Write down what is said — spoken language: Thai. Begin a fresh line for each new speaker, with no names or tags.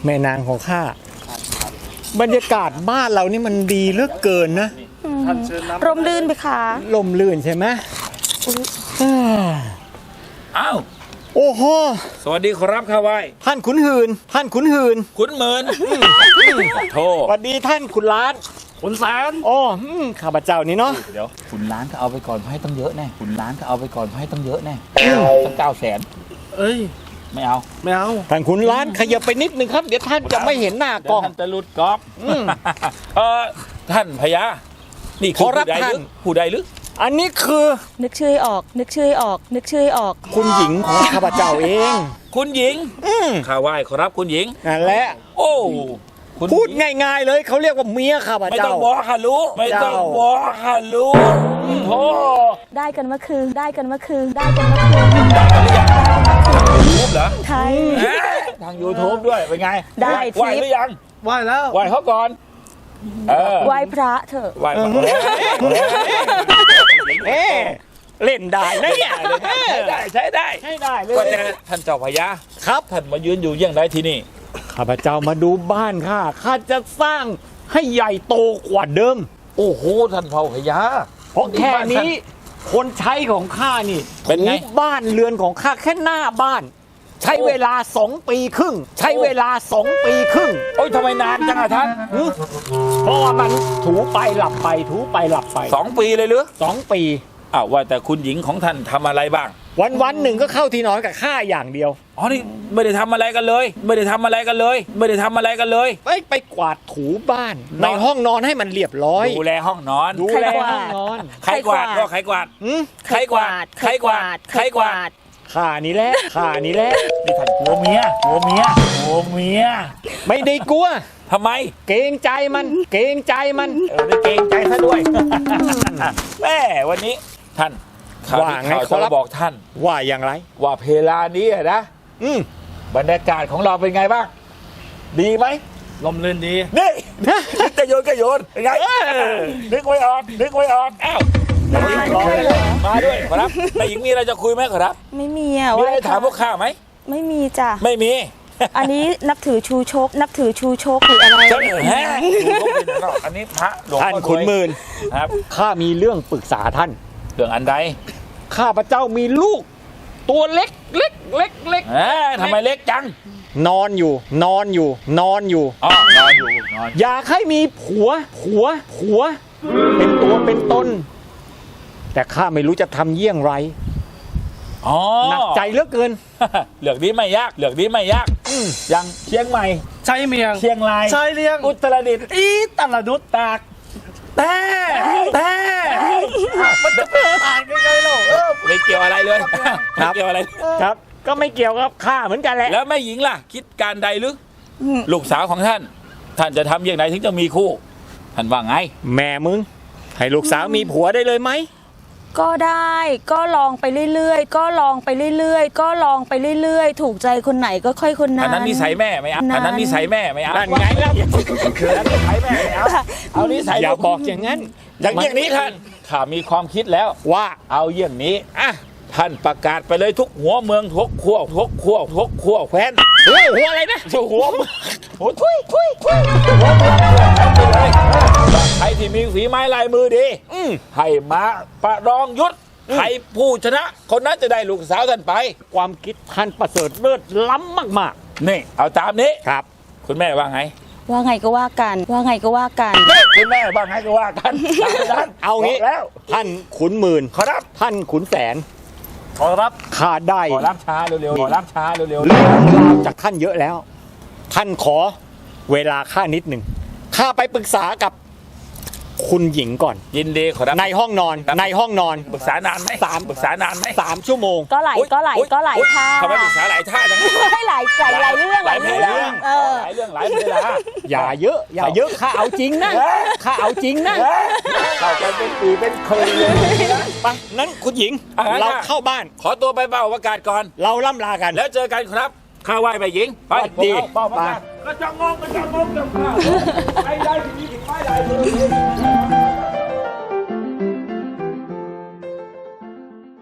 แม่นางของข้าบรรยากาศบ้านเรานี่มันดีเหลือเกินนะ
ร่มรื่นไปค่ะ
ลมลื่นใช่ไหม
อ้าว
โอ้โห
สวัสดีครับข้าไหว้
ท่านขุนหืนท่านขุนหืน
ขุนเมินโท
สวัสดีท่านขุนล้าน
ขุนแสน
อ๋อข้าพเจ้านี่เนาะ
เดี๋ยวขุนล้านก็เอาไปก่อนให้ต้องเยอะแน่ขุนล้านก็เอาไปก่อนให้ต้องเยอะแน่ตั้ง900,000
เอ้ย
ไม่เอา
ไม่เอา
ท่านขุนล้านขยับไปนิดนึงครับเดี๋ยวท่านจะไม่เห็นหน้ากล้อง
ท่านจะหลุดกรอบท่านพญานี่คือ
ขอรับ
ผู้ใดหรือ
ท่าน
ผู้ใดหรือ
อันนี้คือ
นึกชื่อให้ออก นึกชื่อให้ออก นึกชื่อให้ออก
คุณหญิงของข้าพเจ้าเอง
คุณหญิงข้าไหว้ขอรับคุณหญิง
นั่นแหละ
โอ้คุณ
พูดง่ายๆเลยเขาเรียกว่าเมียข้าพ
ไม่
เจ้า
ต้องบอกค่ะรู้ไม่ต้องบอกค่ะรู้โธ่
ได้กันเมื่อคืน ได้กันเมื่อคืน ได้กันเมื่อคืน
รูปเหรอ
ไทย
ทาง YouTube ด้วยเป็นไง
ได้
ไหว้
ทิป
หรือยัง
ไหว้แล้ว
ไหว้เขาก่อน
ไหว้พระเถอะ
ไหว้ก่อน
เอ๊ะเล่นได้นะเนี่ย
ใช้ได้ใช้ได้
ใช่ได้เล
ก็
ย
จะท่านเจ้าพญา
ครับ
ท่านมายืนอยู่ยังไงที่นี่
ข้าพเจ้ามาดูบ้านข้าจะสร้างให้ใหญ่โตกว่าเดิม
โอ้โหท่านเผ่าพญา
เพราะแค่นี้คนใช้ของข้านี่
เป็นไง
ถูบ้านเรือนของข้าแค่หน้าบ้าน ใช้เวลา2 ปีครึ่ง ใช้เวลา2 ปีครึ่ง
โอ้ยทำไมนานจังอะท่าน
เพราะว่ามันถูไปหลับไปถูไปหลับไป
2 ปีเลยหรือ
2 ปี
อ้าวว่าแต่คุณหญิงของท่านทำอะไรบ้าง
วันหนึ่งก็เข้าที่นอนกับข้าอย่างเดียว
อ๋อนี่ไม่ได้ทำอะไรกันเลย ไม่ได้ทำอะไรกันเลย ไม่ได้ทำอะไรกันเลย
ไปกวาดถูบ้าน ในห้องนอนให้มันเรียบร้อย
ดูแลห้องนอน
ดูแลห้องนอน
ใครกวาดก็ใครกวาด ใครกวาดใครกวาดใครกวาด
ข้านี่แหละข้านี่แหละ
นี่ท่านกลัวเมียกลัวเมียกลัวเมีย
ไม่ได้กลัว
ทำไม
เกรงใจมันเกรงใจมัน
ได้เกรงใจซะด้วย แม่วันนี้ท่านข่าว
ว่าไง
ข่าว
ขอรับ
จะบอกท่าน
ว่าอย่างไร
ว่าเพลานี้อะนะ
อืม
บรรยากาศของเราเป็นไงบ้าง ดีไหม
ลมลื่นดี
นี่นึกจะโยนก็โยนเป็นไงนึกไว้ออกนึกไว้ออกอ้าวมาด้วยขอรับนายหญิงมีอะไรจะคุยไหมขอรับ
ไม่มีอ่ะ
มีอะไรถามพวกข้าไหม
ไม่มีจ้ะ
ไม่มี
อันนี้นับถือชูชก นับถือชูชกหรืออะไร
เจ้าแฮะอันนี้พระหลวง
ท่าน
พ่อ
ขุนหมื่น
ครับ
ข้ามีเรื่องปรึกษาท่าน
เรื่องอันใด
ข้าพเจ้ามีลูก ตัวเล็กเล็กเล็กเล็ก
ทำไมเล็กจัง
นอนอยู่ นอนอยู่ นอนอยู่
อ๋อนอนอยู่นอน
อยากให้มีผัว เป็นตัวเป็นตน แต่ข้าไม่รู้จะทำเยี่ยงไร
อ๋อ
หนักใจเหลือเกิน
เหลือกนี้ไม่ยากเหลือกนี้ไม่ยากยังเชียงใหม่
ใช้เมียง
เชียงราย
ใช้เลี้ยง
อุตรดิตถ์
อีตลาดุด
ตากแต่มันจะเป็นต่างยังไงเล่าไม่เกี่ยวอะไรเลยไม่เกี่ยวอะไร
ครับ ก็ไม่เกี่ยวกับข้าเหมือนกันแหละ
แล้วแม่หญิงล่ะ คิดการใดหรือลูกสาวของท่าน ท่านจะทำอย่างไรถึงจะมีคู่ ท่านว่าไง
แม่มึง ให้ลูกสาวมีผัวได้เลยไหม
ก็ได้ ก็ลองไปเรื่อยๆ ก็ลองไปเรื่อยๆ ก็ลองไปเรื่อยๆ ถูกใจคนไหนก็ค่อยคนนั้น
อันนั้นนิสัยแม่ไม่เอาอันนั้นนิสัยแม่ไม่เอา
นั่นไงล่ะ
คืออันนิสัยแม่ไม่เอาเอานิสัย
อย่าบอกอย่างนั้น
อย่างนี้ท่านข้ามีความคิดแล้ว
ว่า
เอาอย่างนี้อ่ะท่านประกาศไปเลยทุกหัวเมืองทุกขั้วแคว้น
หัวอะไรนะ
หัวหัวทุยหัวเมืองไปเลยใครที่มีฝีไม้ลายมือดีให้มาประลองยุทธใครผู้ชนะ คนนั้นจะได้ลูกสาวท่านไป
ความคิดท่านประเสริฐเลิศล้ำมาก
นี่เอาตามนี้
ๆ ครับ
คุณแม่ว่าไง
ว่าไงก็ว่ากัน ว่าไงก็ว่ากัน
คุณแม่ว่าไงก็ว่ากัน
เอางี้
บอกแล้ว
ท่านขุนหมื่น
ขอรับ
ท่านขุนแสน
ขอรับ
ข้าได้
ขอรับช้าเร็วๆขอรับช้าเร็ว
เรื่องราวจากท่านเยอะแล้ว ท่านขอเวลาข้านิดหนึ่งข้าไปปรึกษากับคุณหญิงก่อน
ๆยินดีขอรับ
ในห้องนอน
ครับ
ในห้องนอน
ปรึกษานานไหมปรึกษานานไหม
3 ชั่วโมง
ก็ไหลก็ไหลก็ไหลท่า
ทำไมปรึกษาหลายท่าจัง
ให้หลายเรื่อง
หลายเวลา
เออ
หลายเรื่องหลายเวลา
อย่าเยอะ อย่าเยอะข้าเอาจริงนะข้าเอาจริงนะ
เข้ากันเป็นปีเป็นเคยเลย
ไปนั้นคุณหญิง เราเข้าบ้าน
ขอตัวไปเป่าประกาศก่อน
เราล่ำลากัน
แล้วเจอกันครับข้าไหว้ไปหญิงไป
สวัสดี
เป่าประกาศกระจองงงกระจองงงกระจองงไปได้ทีนี้ถึงไปได้